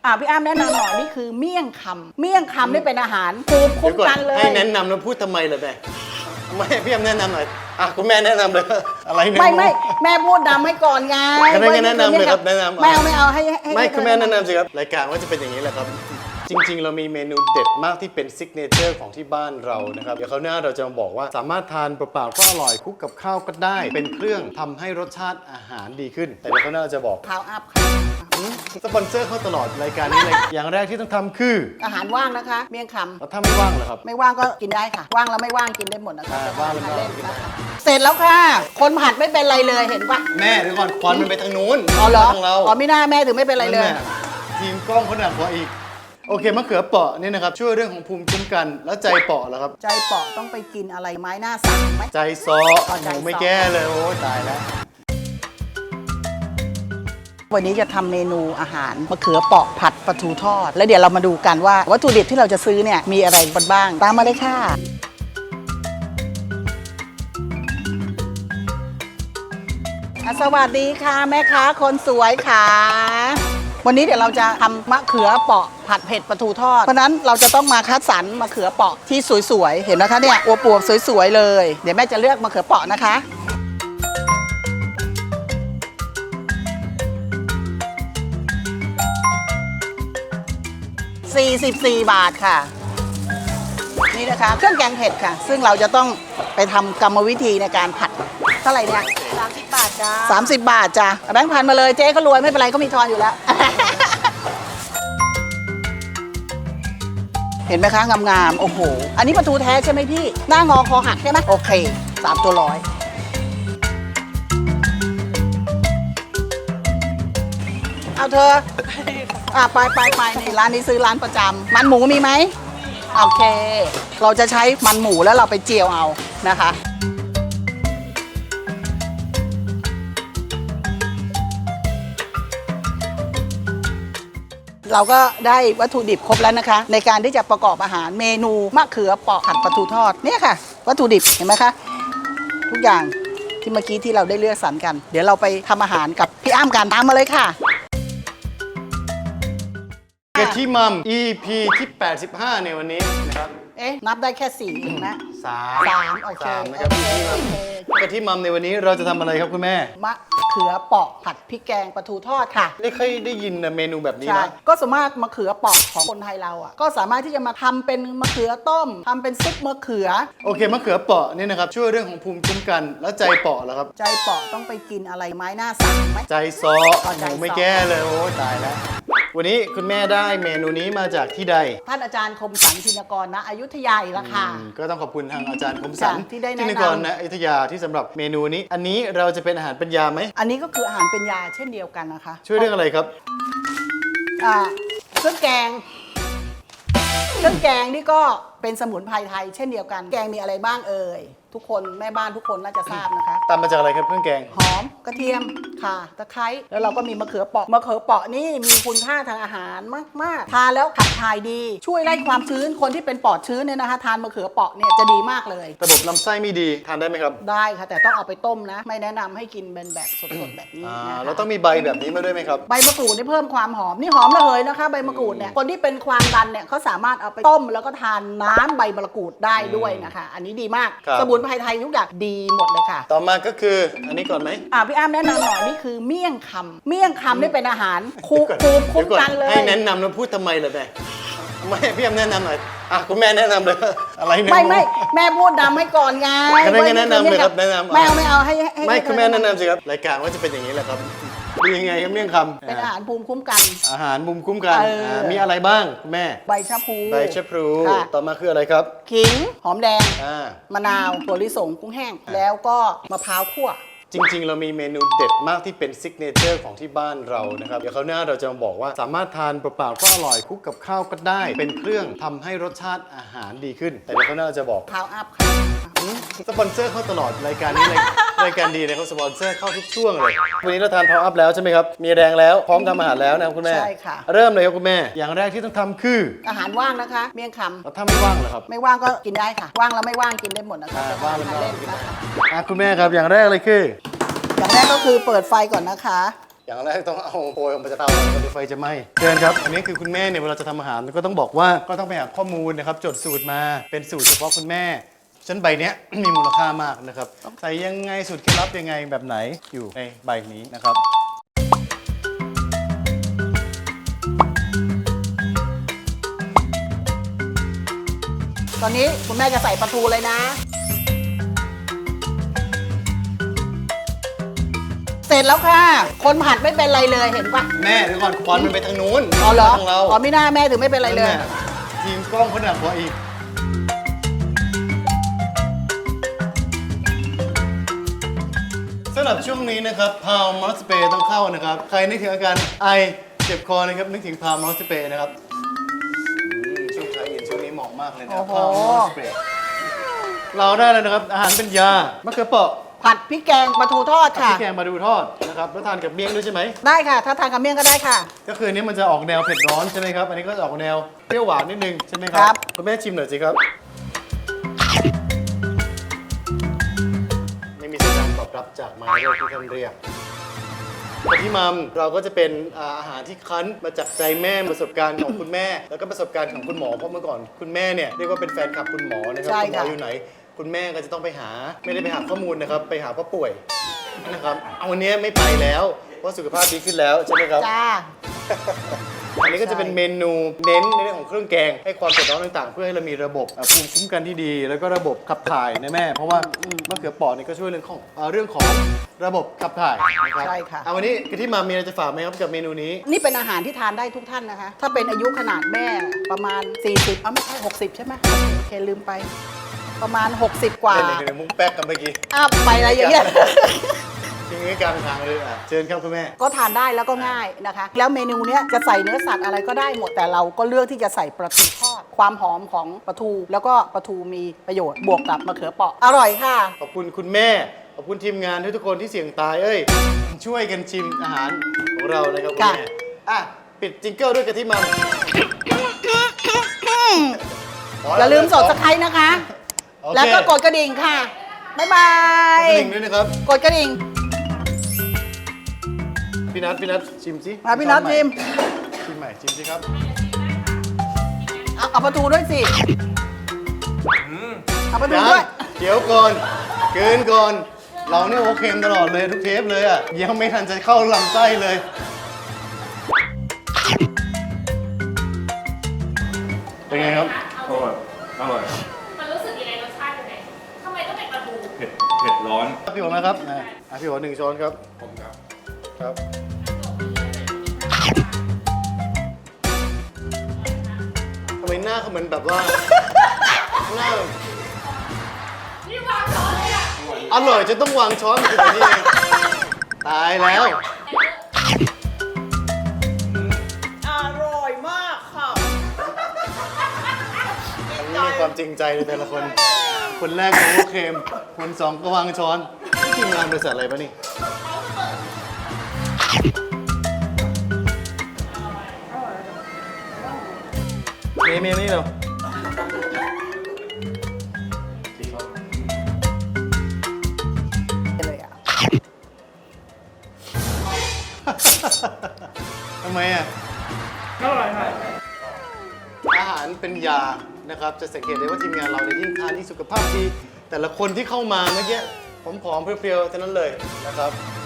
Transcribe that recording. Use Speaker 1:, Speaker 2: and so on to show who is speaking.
Speaker 1: พี่อ้ำแนะนำหน่อยนี่คือเมี่ยงคำนี่เป็นอาหารภูมิคุ้มกันเลย
Speaker 2: ให้แนะนำแล้วพูดทำไมเลยแม่ไม่พี่อ้ำแนะนำหน่อยคุณแม่แนะนำเลยอะไรเนี่ย
Speaker 1: ไม่แม่พูดนำให้ก่อนไง
Speaker 2: ก็ได้แนะนำเลยครับแนะนำ
Speaker 1: ไม่เอาให้
Speaker 2: ไม่คุณแม่แนะนำสิครับรายการว่าจะเป็นอย่างนี้แหละครับจริงๆเรามีเมนูเด็ดมากที่เป็นซิกเนเจอร์ของที่บ้านเรานะครับเดี๋ยวคราวหน้าเราจะมาบอกว่าสามารถทานเปล่าๆก็อร่อยคลุกกับข้าวก็ได้เป็นเครื่องทำให้รสชาติอาหารดีขึ้นแต่เดี๋ยวคราวหน้าเราจะบอก
Speaker 1: พาวอัพค่ะ
Speaker 2: สปอนเซอร์เข้าตลอดรายการนี้เลยอย่างแรกที่ต้องทำคือ
Speaker 1: อาหารว่างนะคะเมี่ยงคำ
Speaker 2: แล้วถ้าไม่ว่างเหรอครับ
Speaker 1: ไม่ว่างก็กินได้ค่ะว่างแล้วไม่ว่างกินได้หมดนะคะ
Speaker 2: ว่างแล้วไม่ว่างกินได้
Speaker 1: เสร็จแล้วค่ะคนผัดไม่เป็นไรเลยเห็นปะ
Speaker 2: แม่เดี๋ยวก่อนควันมันไปทางนู้น
Speaker 1: เหรอ
Speaker 2: ทางเรา
Speaker 1: ไม่น่าแม่ถึงไม่เป็นไรเลย
Speaker 2: ทีมกล้องเขาหนักกว่าอีกโอเคมะเขือเปาะนี่นะครับช่วยเรื่องของภูมิคุ้มกันแล้วใจเปาะเหรอครับ
Speaker 1: ใจเปาะต้องไปกินอะไรไม้หน้าสามไหม
Speaker 2: ใจซอหนูไม่แก้เลยโอ้ตายแล้ว
Speaker 1: วันนี้จะทำเมนูอาหารมะเขือเปาะผัดปลาทูทอดแล้วเดี๋ยวเรามาดูกันว่าวัตถุดิบที่เราจะซื้อเนี่ยมีอะไรบ้างตามมาเลยค่ะสวัสดีค่ะแม่ค้าคนสวยค่ะวันนี้เดี๋ยวเราจะทำมะเขือเปาะผัดเผ็ดปลาทูทอดเพราะนั้นเราจะต้องมาคัดสรรมะเขือเปาะที่สวยๆเห็นนะคะเนี่ยอวบๆสวยๆเลยเดี๋ยวแม่จะเลือกมะเขือเปาะนะคะ44 บาทค่ะนี่นะคะเครื่องแกงเผ็ดค่ะซึ่งเราจะต้องไปทำกรรมวิธีในการผัดเท่าไหร่เนี่ย30 บาทจ้า30 บาทจ้าแบงค์พันมาเลยเจ๊ก็รวยไม่เป็นไรก็มีทอนอยู่แล้ว เห็นไหมคะงามๆโอ้โหอันนี้ปลาทูแท้ใช่ไหมพี่หน้างอคอหักใช่ไหมโอเค3 ตัวร้อยเอาเธอไปนี่ร้านนี้ซื้อร้านประจำมันหมูมีไหมโอเคเราจะใช้มันหมูแล้วเราไปเจียวเอานะคะเราก็ได้วัตถุดิบครบแล้วนะคะในการที่จะประกอบอาหารเมนูมะเขือเปาะผัดปลาทูทอดเนี่ยค่ะวัตถุดิบเห็นไหมคะทุกอย่างที่เมื่อกี้ที่เราได้เลือกสรรกันเดี๋ยวเราไปทำอาหารกับพี่อ้ำกันตามมาเลยค่ะ
Speaker 2: กะทิมัม EP ที่85ในวันนี้นะครับ
Speaker 1: นับได้แค่4เองนะ3โอเค
Speaker 2: นะครับกะทิมัมในวันนี้เราจะทำอะไรครับคุณแม่
Speaker 1: มะเขือเปาะผัดพริกแกงปลาทูทอดค่ะ
Speaker 2: ไม่เคยได้ยินเมนูแบบนี้นะ
Speaker 1: ก็สามารถมะเขือเปาะของคนไทยเราอ่ะก็สามารถที่จะมาทำเป็นมะเขือต้มทำเป็นซุปมะเขือ
Speaker 2: โอเคมะเขือเปาะนี่นะครับช่วยเรื่องของภูมิคุ้มกันแล้วใจเปาะเหรอครับ
Speaker 1: ใจเปาะต้องไปกินอะไรไม้หน้าสามไหม
Speaker 2: ใจซอหนูไม่แก้เลยโอ้ตายแล้ววันนี้คุณแม่ได้เมนูนี้มาจากที่ใด
Speaker 1: ท่านอาจารย์คมสันธินกรณอยุธยาอีกแล้วค่ะ
Speaker 2: ก็ต้องขอบคุณทางอาจารย์คมสัน
Speaker 1: ที่ได้แนะนำ
Speaker 2: ธินกรณอยุธยาที่สำหรับเมนูนี้อันนี้เราจะเป็นอาหารเป็นยาไหม
Speaker 1: อันนี้ก็คืออาหารเป็นยาเช่นเดียวกันนะคะ
Speaker 2: ช่วยเรื่องอะไรครับ
Speaker 1: เครื่องแกงนี่ก็เป็นสมุนไพรไทยเช่นเดียวกันแกงมีอะไรบ้างเอ่ยทุกคนแม่บ้านทุกคนน่าจะทราบนะคะ
Speaker 2: ตามมาจากอะไรครับเครื่องแกง
Speaker 1: หอมกระเทียมข่าตะไคร้แล้วเราก็มีมะเขือเปาะนี่มีคุณค่าทางอาหารมากๆทานแล้วขับถ่ายดีช่วยไล่ความชื้นคนที่เป็นปอดชื้นเนี่ยนะคะทานมะเขือเปาะเนี่ยจะดีมากเลย
Speaker 2: ระบบลำไส้ไม่ดีทานได้ไหมครับ
Speaker 1: ได้ค่ะแต่ต้องเอาไปต้มนะไม่แนะนำให้กินเป็นแบบสดๆแบบนี้
Speaker 2: เราต้องมีใบแบบนี้มาด้วยไหมครับ
Speaker 1: ใบมะกรูดนี่เพิ่มความหอมนี่หอมระเหยนะคะใบมะกรูดเนี่ยคนที่เป็นความดันเนี่ยเขาสามารถเอาไปต้มแล้วก็ทานน้ำใบมะกรูดได้ด้วยนะคะอันนี้ดีมากสมุนไพรไทยทุกอย่างดีหมดเลยค่ะ
Speaker 2: ต่อมาก็คืออันนี้ก่อนไหม
Speaker 1: พี่อ้ำแนะนำหน่อยนี่คือเมี่ยงคำนี่เป็นอาหารภูมิคุ้มกันเลย
Speaker 2: ให้แนะนำแล้วพูดทำไมเลยไม่พี่อ้ำแนะนำหน่อยคุณแม่แนะนำเลยอะไรเนี่ย
Speaker 1: ไม่แม่พูดนำให้ก่อนไง
Speaker 2: ก็ได้แนะนำเลยครับแนะนำ
Speaker 1: ไม่เอาให้
Speaker 2: ไม่คุณแม่แนะนำสิครับรายการว่าจะเป็นอย่างนี้แหละครับดียังไงครับเมี่ยงคำ
Speaker 1: เป็นอาหารภูมิคุ้มกัน
Speaker 2: อาหารภูมิคุ้มกันมีอะไรบ้างคุณแม่
Speaker 1: ใบชะพลู
Speaker 2: ต่อมาคืออะไรครับ
Speaker 1: ขิงหอมแดงมะนาวถั่วลิสงกุ้งแห้งแล้วก็มะพร้าวคั่ว
Speaker 2: จริงๆเรามีเมนูเด็ดมากที่เป็นซิกเนเจอร์ของที่บ้านเรานะครับเดี๋ยวคราวหน้าเราจะมาบอกว่าสามารถทานเปล่าๆก็อร่อยคลุกกับข้าวก็ได้เป็นเครื่องทำให้รสชาติอาหารดีขึ้นแต่เดี๋ยวคราวหน้าจะบอก
Speaker 1: พาวอัพค่ะ
Speaker 2: สปอนเซอร์เข้าตลอดรายการนี้เลยรายการดีเลยเขาสปอนเซอร์เข้าทุกช่วงเลยวันนี้เราทานพาวอัพแล้วใช่ไหมครับมีแรงแล้วพร้อมทำอาหารแล้วนะคุณแม่
Speaker 1: ใช่ค่ะ
Speaker 2: เริ่มเลยครับคุณแม่อย่างแรกที่ต้องทำคือ
Speaker 1: อาหารว่างนะคะเมี่ยงคำ
Speaker 2: แล้วถ้าไม่ว่างเหรอครับ
Speaker 1: ไม่ว่างก็กินได้ค่ะว่างแล้วไม่ว่างกินได้หมดนะคะ
Speaker 2: ว่างแล้วไม่ว่างกินได้คุณแม่ครับอย่างแรกเลยคือ
Speaker 1: อย่างแรกก็คือเปิดไฟก่อนนะคะ
Speaker 2: อย่างแรกต้องเอาโพยออกมาจากเตาแล้วก็ไฟจะไหม้เชิญครับอันนี้คือคุณแม่เนี่ยเวลาจะทำอาหารก็ต้องบอกว่าก็ต้องไปหาข้อมูลนะครับจดสูตรมาเป็นสูตรเฉพาะคุณแม่ฉะนันใบเนี้ย มีมูลค่ามากนะครับใส่ยังไงสูตรเคล็ดลับยังไงแบบไหนอยู่ในใบนี้นะครับ
Speaker 1: ตอนนี้คุณแม่จะใส่ปลาทูเลยนะ เสร็จแล้วค่ะ คนผัดไม่เป็นไรเลยเห็นปะ
Speaker 2: แม่เดี๋ยวก่อนควันมันไปทางนู้น
Speaker 1: อ๋อเหรอ
Speaker 2: ทางเรา
Speaker 1: อ๋อไม่น่าแม่ถึงไม่เป็นไรเลย
Speaker 2: นั่นแหะทีมกล้องเขาหนักกว่าอีกสำหรับช่วงนี้นะครับพาวมอสเปย์ต้องเข้านะครับ ใครนึกถึงอาการไอเจ็บคอนะครับนึกถึงพาวมอสเปย์นะครับช่วงเช้าเย็นช่วงนี้เหมาะมากเลยนะ
Speaker 1: โอ้โห
Speaker 2: พาวมอสเปย์เราได้แล้วนะครับอาหารเป็นยามะเขือเปราะ
Speaker 1: ผัดพริกแกงปลาทูทอด
Speaker 2: พริ
Speaker 1: ค่ะ
Speaker 2: กแกงมาดูทอดนะครับแล้วทานกับเมี่ยงด้วยใช่ไหม
Speaker 1: ได้ค่ะ ถ้าทานกับเมี่ยงก็ได้ค่ะ
Speaker 2: ก็คืออันนี้มันจะออกแนวเผ็ดร้อนใช่ไหมครับ อันนี้ก็จะออกแนวเปรี้ยวหวานนิดนึงใช่ไหมค
Speaker 1: ครั
Speaker 2: รับบ คุณแม่ชิมหน่อยสิครับ ไม่มีสัญญาณตอบรับจากไม้เรียกที่ท่านเรียกกะทิมัมเราก็จะเป็นอาหารที่คั้นมาจากใจแม่ประสบการณ์ของคุณแม่ แล้วก็ประสบการณ์ของคุณหมอเพราะเมื่อก่อนคุณแม่เนี่ยเรียกว่าเป็นแฟนคลับคุณหมอนะครับ
Speaker 1: ใช่
Speaker 2: คุณหมอ
Speaker 1: ค่ะ
Speaker 2: อยู่ไหน คุณแม่ก็จะต้องไปหาไม่ได้ไปหาข้อมูลนะครับไปหาเพราะป่วยนะครับเอาวันนี้ไม่ไปแล้วเพราะสุขภาพดีขึ้นแล้วใช่ไหมครับ
Speaker 1: จ้า
Speaker 2: อันนี้ก็จะเป็นเมนูเน้นในเรื่องของเครื่องแกงให้ความเผ็ดร้อนต่างๆ เพื่อให้เรามีระบบภูมิคุ้มกันที่ดี แล้วก็ระบบขับถ่ายนะแม่ เพราะว่ามะเขือเปราะนี่ก็ช่วยเรื่องของระบบขับถ่ายนะครับ
Speaker 1: ใช่ค่ะ
Speaker 2: เอาวันนี้กะทิมามีอะไรจะฝากไหมครับกับเมนูนี้
Speaker 1: นี่เป็นอาหารที่ทานได้ทุกท่านนะคะ ถ้าเป็นอายุขนาดแม่ประมาณ 40ไม่ใช่ 60 ใช่ไหมโอเคลืมไป ประมาณ 60 กว่า
Speaker 2: เล่นในมุ้งแป๊กกันเมื่อกี้
Speaker 1: อ้าวไปอะไรอย่างเงี้ย
Speaker 2: ทิ้งไว้กลางทางเลยเชิญครับคุณแม่
Speaker 1: ก็ทานได้แล้วก็ง่ายนะคะ แล้วเมนูเนี้ยจะใส่เนื้อสัตว์อะไรก็ได้หมด แต่เราก็เลือกที่จะใส่ปลาทูทอด ความหอมของปลาทู แล้วก็ปลาทูมีประโยชน์บวกกับมะเขือเปราะ อร่อยค่ะ
Speaker 2: ขอบคุณคุณแม่ ขอบคุณทีมงานทุกคนที่เสี่ยงตายช่วยกันชิมอาหารของเรานะครับคุณ
Speaker 1: ค่ะ
Speaker 2: แม่ปิดจิงเกิลด้วยกะทิมัม
Speaker 1: อย่าลืมสดสไครต์นะคะ
Speaker 2: โอเค
Speaker 1: แล้วก็กดกระดิ่งค่ะ บ๊ายบาก ย
Speaker 2: ดกระดิ่งด้วยนะครับ
Speaker 1: กดกระดิ่ง
Speaker 2: พี่นัทชิมสิ
Speaker 1: มาพี่น็อตชิม
Speaker 2: ชิมใหม่ชิมสิครับ
Speaker 1: เอาปลาทูด้วยสิ เอาปลาทู
Speaker 2: ยัง
Speaker 1: ด้วย
Speaker 2: เดี๋ยวก่อนเกินก่อน เราเนี่ยโอเคมตลอดเลยทุกเทปเลยยังไม่ทันจะเข้าลำไส้เลย เป็นไงครับ
Speaker 3: อร่อย อร่อย
Speaker 4: มันรู้สึกยังไงรสชาติยังไงทำไมต้องเป็นปลาทู
Speaker 3: เผ็ดร้อน
Speaker 2: พี่โอ๋นะครับพี่โอ๋1 ช้อนครับ
Speaker 3: ผมครับ
Speaker 2: ครับทำไมหน้าเขาเหมือนแบบว่า หน้า
Speaker 4: นี่วางช้อนเลยอ่ะ
Speaker 2: อร่อยจนต้องวางช้อนมาถึงนี่เองตายแล้ว
Speaker 1: อร่อยมากค่ะ
Speaker 2: มันมีความจริงใจในแต่ละคน คนแรกก็โอเคมคนสองก็วางช้อนนี่ทีมงานบริษัทอะไรปะนี่ เมย์นี่เร็ว
Speaker 1: เลยอ่ะ
Speaker 2: ทำไมอ่ะ
Speaker 3: อร่อยค่ะ
Speaker 2: อาหารเป็นยานะครับ จะสังเกตได้ว่าทีมงานเราเนี่ยยิ่งทานยิ่งสุขภาพดี แต่ละคนที่เข้ามาเมื่อกี้ผอมๆเพรียวๆเท่านั้นเลยนะครับ